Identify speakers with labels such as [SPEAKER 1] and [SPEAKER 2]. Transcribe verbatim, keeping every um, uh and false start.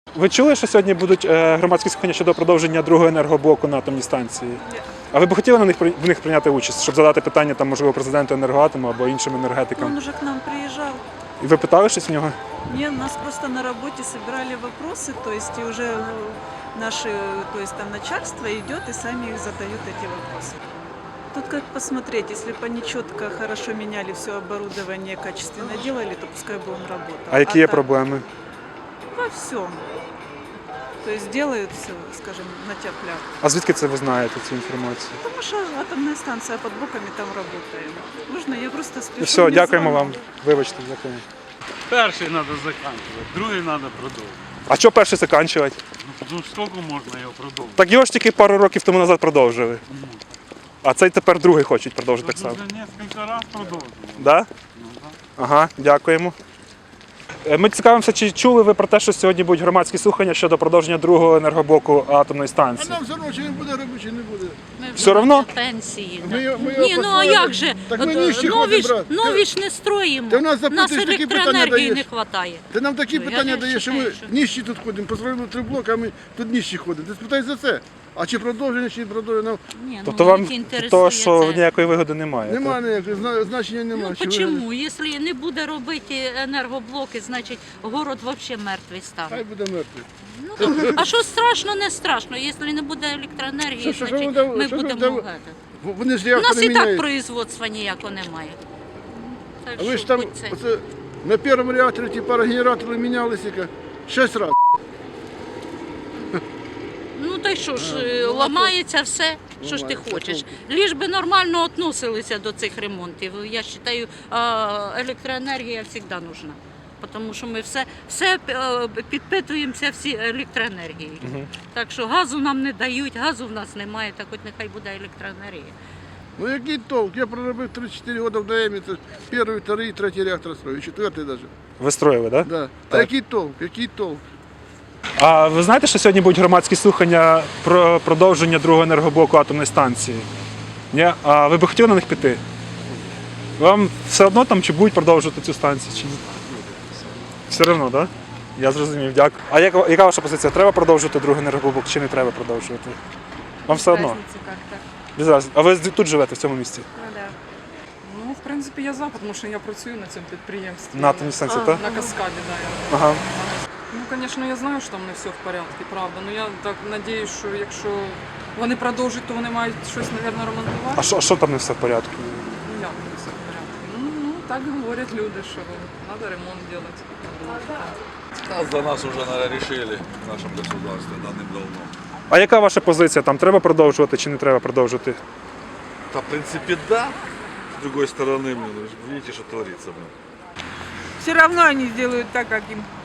[SPEAKER 1] Ви чули, що сьогодні будуть е, громадські слухання щодо продовження другого енергоблоку на атомній станції?
[SPEAKER 2] Ні.
[SPEAKER 1] А ви б хотіли на них в них прийняти участь, щоб задати питання там, можливо, президенту Енергоатому або іншим енергетикам?
[SPEAKER 2] Он уже к нам приезжал.
[SPEAKER 1] І ви питали щось в нього?
[SPEAKER 2] Нет, нас просто на работе собирали вопросы, то есть и уже э, наши, то есть там начальство идет и сами их задают эти вопросы. Тут как посмотреть, если бы они четко, хорошо меняли все оборудование, качественно делали, то пускай бы он работал.
[SPEAKER 1] А які є
[SPEAKER 2] так
[SPEAKER 1] проблеми?
[SPEAKER 2] Во всем. То есть делают все, скажем, на тяп-ляп.
[SPEAKER 1] А звідки це ви знаєте цю інформацію?
[SPEAKER 2] Потому что атомная станция под боками там работает. Можно я просто спешу?
[SPEAKER 1] І все,
[SPEAKER 2] мне
[SPEAKER 1] дякуємо
[SPEAKER 2] звонок.
[SPEAKER 1] вам. Вибачте, дякуємо.
[SPEAKER 3] Перший треба закінчувати, другий треба продовжувати.
[SPEAKER 1] А що перше закінчувати?
[SPEAKER 3] Ну скільки можна його продовжувати?
[SPEAKER 1] Так його ж тільки пару років тому назад продовжили. А цей тепер другий хочуть продовжити так само.
[SPEAKER 3] Вже кілька разів продовжували.
[SPEAKER 1] Да?
[SPEAKER 3] Ну, да.
[SPEAKER 1] Ага, дякуємо. Е, Ми цікавимося, чи чули ви про те, що сьогодні будуть громадські слухання щодо продовження другого енергоблоку атомної
[SPEAKER 4] А
[SPEAKER 1] станції?
[SPEAKER 4] нам все одно, чи він буде робити, чи не буде.
[SPEAKER 5] Ми
[SPEAKER 1] Все
[SPEAKER 5] вже
[SPEAKER 1] равно?
[SPEAKER 5] на пенсії.
[SPEAKER 4] Ми
[SPEAKER 5] да.
[SPEAKER 4] його- ми його
[SPEAKER 5] Ні, ну а
[SPEAKER 4] построїли.
[SPEAKER 5] як же?
[SPEAKER 4] Так ми
[SPEAKER 5] От,
[SPEAKER 4] ніжчі
[SPEAKER 5] нові,
[SPEAKER 4] ходимо,
[SPEAKER 5] ж,
[SPEAKER 4] брат.
[SPEAKER 5] нові ж не строїмо.
[SPEAKER 4] Ти в нас
[SPEAKER 5] У нас
[SPEAKER 4] запитуєш, такі питання
[SPEAKER 5] електроенергії не
[SPEAKER 4] даєш.
[SPEAKER 5] вистачає.
[SPEAKER 4] Ти нам такі
[SPEAKER 5] Ну, я
[SPEAKER 4] питання
[SPEAKER 5] не
[SPEAKER 4] даєш, що ми
[SPEAKER 5] вважаю, що-
[SPEAKER 4] ніжчі тут ходимо, построїли три блоки, а ми тут ніжчі ходимо. Ти спитай за це. А чи продовження, чи не продовження, ну,
[SPEAKER 5] Ні,
[SPEAKER 1] Тобто
[SPEAKER 5] ну,
[SPEAKER 1] вам
[SPEAKER 5] їх інтересує
[SPEAKER 1] того, що
[SPEAKER 5] це.
[SPEAKER 1] ніякої вигоди немає? так?
[SPEAKER 4] немає ніякого зна- значення немає.
[SPEAKER 5] Ну
[SPEAKER 4] Чи вигідно?
[SPEAKER 5] чому? Якщо не буде робити енергоблоки, значить город взагалі мертвий
[SPEAKER 4] Хай
[SPEAKER 5] стане.
[SPEAKER 4] буде мертвий.
[SPEAKER 5] Ну, так, а що страшно, не страшно. Якщо не буде електроенергії,
[SPEAKER 4] Що- що- що
[SPEAKER 5] значить
[SPEAKER 4] ви дав-
[SPEAKER 5] ми
[SPEAKER 4] що ви
[SPEAKER 5] будемо
[SPEAKER 4] дав-
[SPEAKER 5] гати.
[SPEAKER 4] В- Вони ж
[SPEAKER 5] У нас
[SPEAKER 4] реактори
[SPEAKER 5] і так
[SPEAKER 4] міняють.
[SPEAKER 5] производства ніякого немає. Так
[SPEAKER 4] А ви
[SPEAKER 5] що
[SPEAKER 4] ж там
[SPEAKER 5] будь це.
[SPEAKER 4] оце, на першому реакторі ті парогенератори мінялися яка, шість разів.
[SPEAKER 5] Ну та й що ж,
[SPEAKER 4] А,
[SPEAKER 5] е,
[SPEAKER 4] ну, а то-
[SPEAKER 5] ламається все, що ж ти
[SPEAKER 4] Ламається,
[SPEAKER 5] хочеш.
[SPEAKER 4] толку.
[SPEAKER 5] Ліж би нормально відносилися до цих ремонтів. Я вважаю, електроенергія завжди нужна. Тому що ми все, все е, підпитуємося всі електроенергією. Так що газу нам не дають, газу в нас немає, так хоч нехай буде електроенергія.
[SPEAKER 4] Ну який толк? Я проробив три-чотири роки в ДМі, це перший, другий, третій реактор строїв, четвертий навіть.
[SPEAKER 1] Ви строїли, так? Да?
[SPEAKER 4] Да. А
[SPEAKER 1] Так.
[SPEAKER 4] який толк? Який толк?
[SPEAKER 1] А ви знаєте, що сьогодні будуть громадські слухання про продовження другого енергоблоку атомної станції? Ні? А ви б хотіли на них піти? Вам все одно там чи будуть продовжувати цю станцію? Чи ні? Все одно, так? Да? Я зрозумів, дякую. А яка, яка ваша позиція? Треба продовжувати другий енергоблок чи не треба продовжувати? Вам все одно?
[SPEAKER 6] Разницы как-то.
[SPEAKER 1] Без разниці. А ви тут живете в цьому місці?
[SPEAKER 6] Ну, да. Ну, в принципі, я за, тому що я працюю на цьому підприємстві.
[SPEAKER 1] На атомній станції, так?
[SPEAKER 6] На каскаді, да. Я.
[SPEAKER 1] Ага.
[SPEAKER 6] Ну, звісно, я знаю, що там не все в порядку, правда. Ну я так надіюсь, що якщо вони продовжать, то вони мають щось, мабуть, ремонтувати.
[SPEAKER 1] А що, а що там не все в порядку?
[SPEAKER 6] Ну, як не все в порядку? Ну, ну, так говорять люди, що треба ремонт робити.
[SPEAKER 7] Нас за нас уже, наверное, решили в нашем государстве давным-давно.
[SPEAKER 1] А яка ваша позиція? Там треба продовжувати чи не треба продовжувати?
[SPEAKER 7] Да, в принципе, да. С другой стороны, блин, вы же видите, что творится. Блин.
[SPEAKER 8] Все равно они сделают так, как им